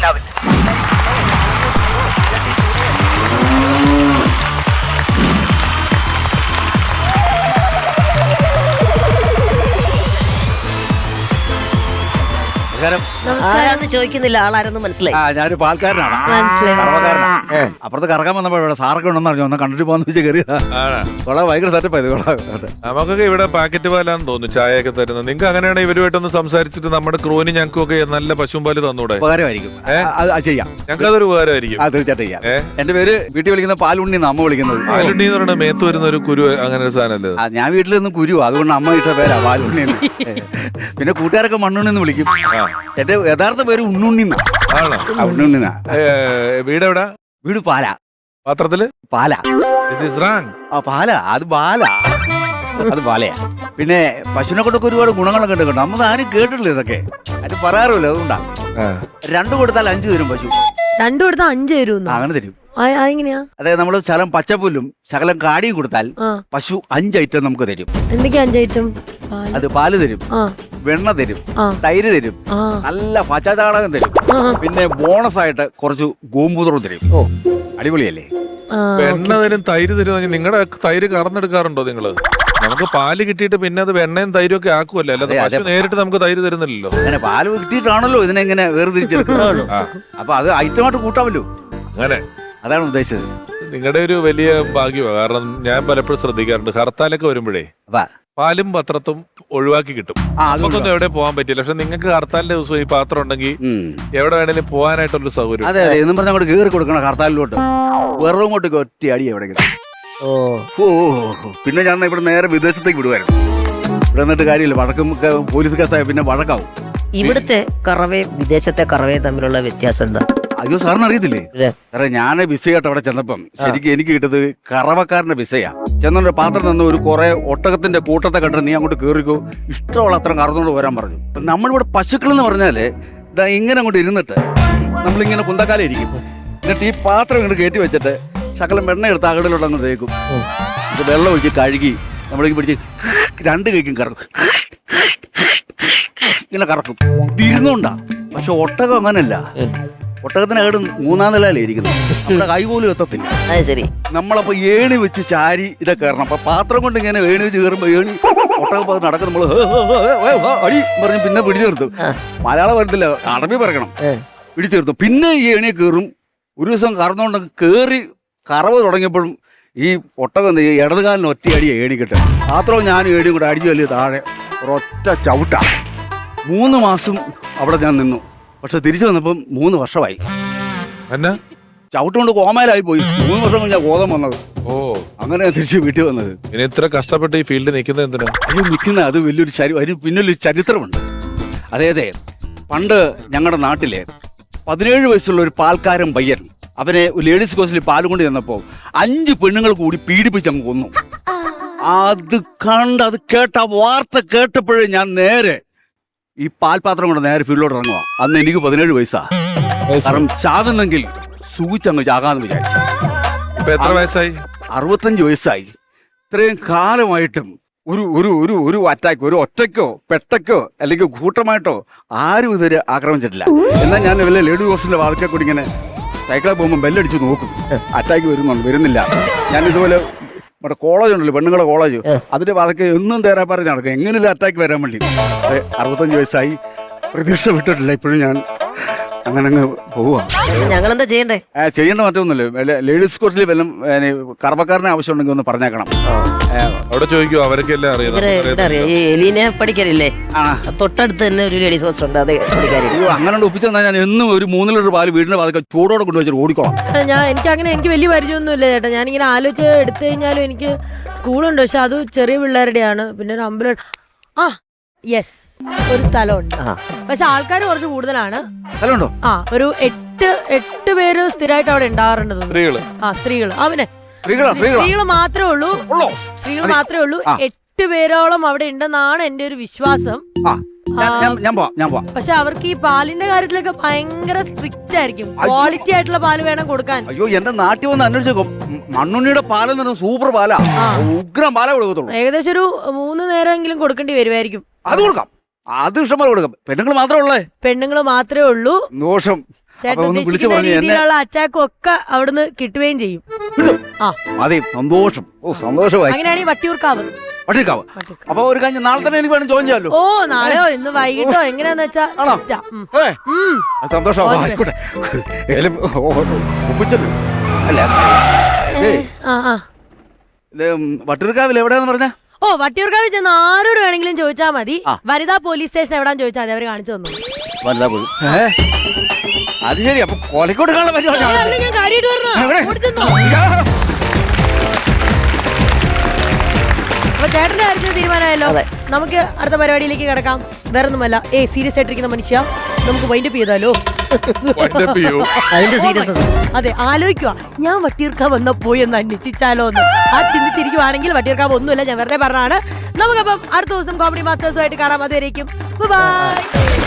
ആരാന്ന് ചോദിക്കുന്നില്ല, ആളാരെന്ന് മനസ്സിലായി. ഞാനൊരു പാൽക്കാരനാണ്, കറവക്കാരനാണ്. അപ്പുറത്ത് കറങ്ങാൻ വന്നപ്പോ ഇവിടെ സാറൊക്കെ ഉണ്ടെന്ന് പറഞ്ഞു, ഒന്ന് കണ്ടിട്ട് പോകാന്ന് വെച്ചാൽ കയറിയതാ. ഭയങ്കര സെറ്റപ്പ് ആയത്. നമുക്കൊക്കെ ഇവിടെ പാക്കറ്റ് പാലാന്ന് തോന്നുന്നു ചായയൊക്കെ തരുന്നത്. നിങ്ങൾക്ക് അങ്ങനെയാണെങ്കിൽ ഇവരുമായിട്ടൊന്ന് സംസാരിച്ചിട്ട് നമ്മുടെ ക്രൂവിന് ഞങ്ങൾക്കൊക്കെ നല്ല പശുമ്പാല് തന്നൂടെ? ഉപകാരമായിരിക്കും, ചെയ്യാം. ഞങ്ങൾക്ക് അതൊരു ഉപകാരമായിരിക്കും. തീർച്ചയായിട്ടും ചെയ്യാം. എന്റെ പേര് വീട്ടിൽ വിളിക്കുന്ന പാലുണ്ണി, അമ്മ വിളിക്കുന്നത് പാലുണ്ണി എന്ന് പറയുന്നത് മേത്ത് വരുന്ന ഒരു കുരു, അങ്ങനെ ഒരു സാധനമല്ലേ? ഞാൻ വീട്ടിൽ നിന്ന് കുരു, അതുകൊണ്ട് അമ്മ ഇട്ട പേരാ പാലുണ്ണി. പിന്നെ കൂട്ടുകാരൊക്കെ മണ്ണുണ്ണി എന്ന് വിളിക്കും. എന്റെ യഥാർത്ഥ പേര് ഉണ്ണുണ്ണി. ഉണ്ണുണ്ണി. വീടെവിടാ? വീട് പാല. പാത്രത്തില് പാല. പാല, അത് പാല, അത് പാലയാ. പിന്നെ പശുവിനെ കൊണ്ടൊക്കെ ഒരുപാട് ഗുണങ്ങളൊക്കെ ഉണ്ട് കേട്ടോ. നമ്മൾ ആരും കേട്ടിട്ടില്ല ഇതൊക്കെ, അത് പറയാറില്ല. അതുകൊണ്ടാ 2 കൊടുത്താൽ 5 തരും പശു. 2 കൊടുത്താൽ 5 തരും? അങ്ങനെ തരും. എങ്ങനെയാ? അതായത് നമ്മള് ശകലം പച്ചപ്പുല്ലും ശകലം കാടിയും കൊടുത്താൽ പശു 5 ഐറ്റം നമുക്ക് തരും. എന്തൊക്കെയാ 5 ഐറ്റം? അത് പാല് തരും, വെണ്ണ തരും, തൈര് തരും, നല്ല പച്ചചാണകം തരും, പിന്നെ ബോണസ് ആയിട്ട് കുറച്ച് ഗോമൂത്രം തരും. അടിപൊളിയല്ലേ? വെണ്ണ തരും, തൈര് തരും. നിങ്ങളുടെ തൈര് കറന്നെടുക്കാറുണ്ടോ നിങ്ങള്? നമുക്ക് പാല് കിട്ടിയിട്ട് പിന്നെ അത് വെണ്ണയും തൈരും ഒക്കെ ആക്കുമല്ലോ, അല്ലാതെ പശു നേരിട്ട് നമുക്ക് തൈര് തരുന്നില്ലല്ലോ. അങ്ങനെ പാല് കിട്ടിയിട്ടാണല്ലോ ഇതിനെങ്ങനെ വേർതിരിച്ചെടുക്കുന്നത്. അപ്പൊ അത് ഐറ്റമായിട്ട് കൂട്ടാമല്ലോ. അങ്ങനെ അതാണ് ഉദ്ദേശിച്ചത്. നിങ്ങളുടെ ഒരു വലിയ ഭാഗ്യമാണ്. കാരണം ഞാൻ പലപ്പോഴും ശ്രദ്ധിക്കാറുണ്ട്, ഹർത്താലൊക്കെ വരുമ്പോഴേ പാലും പത്രത്തും ഒഴിവാക്കി കിട്ടും. നമുക്കൊന്നും എവിടെ പോകാൻ പറ്റില്ല. പക്ഷെ നിങ്ങൾക്ക് ഹർത്താലിന്റെ ദിവസം ഈ പാത്രം ഉണ്ടെങ്കിൽ എവിടെ വേണേലും പോകാനായിട്ടുള്ള സൗകര്യം. അതെ അതെ, എന്നും പറഞ്ഞാൽ അങ്ങോട്ട് കയറി കൊടുക്കണം ഹർത്താലിലോട്ട്. വെറും ഇങ്ങോട്ട് ഒറ്റ അടി എവിടെയെങ്കിലും. പിന്നെ ഞാൻ ഇവിടെ നേരെ വിദേശത്തേക്ക് വിടുവായിരുന്നു. ഇവിടെ നിന്നിട്ട് കാര്യമില്ല, വഴക്കും പോലീസ് കേസായ പിന്നെ വഴക്കാവും. ഇവിടുത്തെ കറവയും വിദേശത്തെ കറവയും തമ്മിലുള്ള വ്യത്യാസം എന്താ? അയ്യോ, സാറിന് അറിയത്തില്ലേ? കാരണം ഞാൻ വിസയായിട്ട് അവിടെ ചെന്നപ്പം ശരിക്കും എനിക്ക് കിട്ടത് കറവക്കാരന്റെ വിസയാ. ചെന്നോണ്ട് പാത്രം നിന്ന് ഒരു കുറെ ഒട്ടകത്തിന്റെ കൂട്ടത്തെ കണ്ടിട്ട് നീ അങ്ങോട്ട് കയറിക്കോ, ഇഷ്ടമുള്ള അത്ര കറന്നുകൊണ്ട് വരാൻ പറഞ്ഞു. നമ്മളിവിടെ പശുക്കൾ എന്ന് പറഞ്ഞാല് ഇങ്ങനെ അങ്ങോട്ട് ഇരുന്നിട്ട് നമ്മളിങ്ങനെ കുന്തക്കാലം ഇരിക്കും. എന്നിട്ട് ഈ പാത്രം ഇങ്ങോട്ട് കയറ്റി വെച്ചിട്ട് ശകലം വെണ്ണ എടുത്ത് അകടിലോട്ട് അങ്ങ് തേക്കും. ഇത് വെള്ളം ഒഴിച്ച് കഴുകി നമ്മളേക്ക് പിടിച്ച് 2 കൈക്കും കറക്കും. ഇങ്ങനെ കറക്കും, ഇരുന്നുണ്ടാ. പക്ഷെ ഒട്ടകം അങ്ങനല്ല. ഒട്ടകത്തിനകട് 3-ാം നിലയിലേ ഇരിക്കുന്നത്, നമ്മുടെ കൈ പോലും എത്തത്തില്ല. ശരി. നമ്മളപ്പോ ഏണി വെച്ച് ചാരി ഇതൊക്കെ കയറണം. അപ്പൊ പാത്രം കൊണ്ട് ഇങ്ങനെ ഏണി വെച്ച് കയറുമ്പോ ഒട്ടകം നടക്കും. നമ്മള് അടി പറഞ്ഞ് പിന്നെ പിടിച്ചു നിർത്തും. മലയാളം വരത്തില്ല, അറബി പറയണം. പിടിച്ചു നിർത്തും. പിന്നെ ഈ ഏണിയെ കയറും. ഒരു ദിവസം കറന്നുകൊണ്ട് കയറി കറവ് തുടങ്ങിയപ്പോഴും ഈ ഒട്ടകം ഇടതുകാലിന് ഒറ്റ അടി ഏണി കിട്ടും. പാത്രവും ഞാനും ഏണിയും കൂടെ അടിച്ചു വലിയ താഴെ ഒരൊറ്റ ചവിട്ടാ. 3 മാസം അവിടെ ഞാൻ നിന്നു. പക്ഷെ തിരിച്ചു വന്നപ്പം 3 വർഷമായി. ചവിട്ടുകൊണ്ട് കോമയിലായി പോയി. 3 വർഷം കഴിഞ്ഞാൽ ബോധം വന്നത്. അങ്ങനെ തിരിച്ച് വീട്ടിൽ വന്നത്. ഇത്ര കഷ്ടപ്പെട്ട് ഈ ഫീൽഡിൽ നിൽക്കുന്നത് എന്തിനാ? നിൽക്കുന്ന അത് വലിയൊരു അതിന് പിന്നൊരു ചരിത്രമുണ്ട്. അതെ, പണ്ട് ഞങ്ങളുടെ നാട്ടിലെ 17 വയസ്സുള്ള ഒരു പാൽക്കാരൻ പയ്യൻ, അവനെ ലേഡീസ് കോഴ്സിൽ പാല് കൊണ്ട് ചെന്നപ്പോൾ 5 പെണ്ണുങ്ങൾ കൂടി പീഡിപ്പിച്ച് അങ്ങ് കൊന്നു. അത് കേട്ട വാർത്ത കേട്ടപ്പോഴേ ഞാൻ നേരെ ഈ പാൽപാത്രം കൊണ്ട് നേരെ ഫീൽഡിലോട്ട് ഇറങ്ങുക. അന്ന് എനിക്ക് 17 വയസ്സാ. കാരണം ചാകുന്നെങ്കിൽ സൂചിച്ചങ്ങ് ചാകാന്ന് വിചാരിച്ചു. എത്ര വയസ്സായി? 65 വയസ്സായി. ഇത്രയും കാലമായിട്ടും ഒരു അറ്റാക്ക്, ഒരു ഒറ്റയ്ക്കോ പെട്ടയ്ക്കോ അല്ലെങ്കിൽ കൂട്ടമായിട്ടോ ആരും ഇതുവരെ ആക്രമിച്ചിട്ടില്ല. എന്നാൽ ഞാൻ വല്ല ലേഡി ഹോസ്റ്റലിന്റെ വാതിൽക്കൽ കൂടി ഇങ്ങനെ സൈക്കിളിൽ പോകുമ്പോൾ ബെല്ലടിച്ച് നോക്കും, അറ്റാക്ക് വരുന്നില്ല. ഞാൻ ഇതുപോലെ നമ്മുടെ കോളേജ് ഉണ്ടല്ലോ, പെണ്ണുങ്ങളുടെ കോളേജ്, അതിന്റെ വാതിൽക്കൽ എന്നും തേരാ പറഞ്ഞ് നടക്കും, എങ്ങനെയുള്ള അറ്റാക്ക് വരാൻ വേണ്ടി. 65 വയസ്സായി, പ്രതീക്ഷ വിട്ടിട്ടില്ല. ഇപ്പോഴും ഞാൻ അങ്ങനെ അങ്ങ് പോവാ. ഞങ്ങളെന്താ ചെയ്യണ്ടേ? ചെയ്യേണ്ട മറ്റൊന്നുമില്ല. ലേഡീസ് കോഴ്സിൽ വല്ലതും കറവക്കാരനെ ആവശ്യമുണ്ടെങ്കിൽ ഒന്ന് പറഞ്ഞേക്കണം. അവിടെ ചോദിക്കോ, അവരൊക്കെ എലീനെ പഠിക്കാനില്ലേ? തൊട്ടടുത്ത് തന്നെ ഒരു ലേഡീസ് ഹോസ്റ്റൽ ഉണ്ട്, അത് പഠിക്കാനില്ല. അങ്ങനെ ഒപ്പിച്ചു തന്നാൽ ഞാൻ എന്നും ഒരു 3 ലിറ്റർ പാല് വീടിന്റെ പാതൊക്കെ ചൂടോടെ കൊണ്ടുവച്ചിട്ട് ഓടിക്കോളാം. എനിക്ക് വലിയ പരിചയമൊന്നുമില്ല ചേട്ടാ. ഞാനിങ്ങനെ ആലോചിച്ച് എടുത്തു കഴിഞ്ഞാലും എനിക്ക് സ്കൂളുണ്ട്, പക്ഷെ അത് ചെറിയ പിള്ളേരുടെയാണ്. പിന്നെ ഒരു അമ്പലം, ഒരു സ്ഥലമുണ്ട്. പക്ഷെ ആൾക്കാർ കുറച്ച് കൂടുതലാണ്. ഒരു 8 പേര് സ്ഥിരമായിട്ട് അവിടെ ഉണ്ടാകാറുണ്ട്. സ്ത്രീകള് സ്ത്രീകൾ മാത്രമേ ഉള്ളൂ. 8 പേരോളം അവിടെ ഉണ്ടെന്നാണ് എന്റെ ഒരു വിശ്വാസം. പക്ഷെ അവർക്ക് ഈ പാലിന്റെ കാര്യത്തിലൊക്കെ ഭയങ്കര സ്ട്രിക്റ്റ് ആയിരിക്കും. ക്വാളിറ്റി ആയിട്ടുള്ള പാല് വേണം കൊടുക്കാൻ. അയ്യോ, എന്റെ നാട്ടിൽ വന്ന് അന്വേഷിച്ചോ, മണ്ണുണ്ണിയുടെ പാലെന്ന് സൂപ്പർ പാലാ, ഉഗ്രം പാലാ കൊടുക്കത്തുള്ളൂ. ഏകദേശം ഒരു 3 നേരമെങ്കിലും കൊടുക്കേണ്ടി വരുമായിരിക്കും. അത് കൊടുക്കാം, അത് ഇഷ്ടംപോലെ കൊടുക്കാം. പെണ്ണുങ്ങൾ മാത്രമേ ഉള്ളൂ. പെണ്ണുങ്ങൾ മാത്രമേ ഉള്ളൂ. ദോഷം ചേട്ടൻ അപ്പൊ ഒന്ന് വിളിച്ചു ഉദ്ദേശിക്കുന്ന പറഞ്ഞു എന്നെ രീതിയിലുള്ള അറ്റാക്കും ഒക്കെ അവിടുന്ന് കിട്ടുകയും ചെയ്യും. ആ അതെ സന്തോഷം. ഓ സന്തോഷമായി. അങ്ങനെയാണെങ്കിൽ വട്ടിയൂർക്കാവ്. വട്ടിയൂർക്കാവ്. അപ്പൊ ഒരു കാര്യം നാളെ തന്നെ എനിക്ക് വേണം ജോയിൻ ചെയ്യാമല്ലോ. ഓ നാളെയോ ഇന്ന് വൈകിട്ടോ എങ്ങനെയാന്ന് വെച്ചാ ആണോ? സെറ്റാ. അതെ സന്തോഷം. ആയിക്കോട്ടെ. ഒപ്പിച്ചല്ലോ അല്ല വട്ടിയൂർക്കാവിൽ എവിടെയാന്ന് പറഞ്ഞ? ഓ വട്ടിയൂർക്കാവിൽ ചെന്ന് ആരോട് വേണമെങ്കിലും ചോദിച്ചാൽ മതി. വനിതാ പോലീസ് സ്റ്റേഷൻ എവിടാന്ന് ചോദിച്ചാൽ മതി, അവര് കാണിച്ചു തന്നു. വനിതാ പോയി. അത് ശരി. അപ്പൊ കോഴിക്കോട് കാണാൻ പരിപാടി. ഞാൻ കാര്യമായിട്ട് പറഞ്ഞോ. അപ്പൊ ചേട്ടന്റെ കാര്യത്തിൽ തീരുമാനമായല്ലോ. നമുക്ക് അടുത്ത പരിപാടിയിലേക്ക് കിടക്കാം. വേറെ ഒന്നുമല്ല, സീരിയസ് ആയിട്ടിരിക്കുന്ന മനുഷ്യ, നമുക്ക് വൈൻഡപ്പ് ചെയ്താലോ? അതിന്റെ സീരിയസ് അതെ, ആലോചിക്കുക, ഞാൻ വട്ടിയൂർക്കാവ് വന്ന പോയി എന്ന് അന്വേഷിച്ചാലോ എന്ന്. ആ ചിന്തിച്ചിരിക്കുവാണെങ്കിൽ വട്ടിയൂർക്കാവ് ഒന്നുമില്ല, ഞാൻ വെറുതെ പറഞ്ഞാണ്. നമുക്കപ്പം അടുത്ത ദിവസം കോമഡി മാസ്റ്റേഴ്സുമായിട്ട് കാണാം. അതുവരേക്കും ബൈ.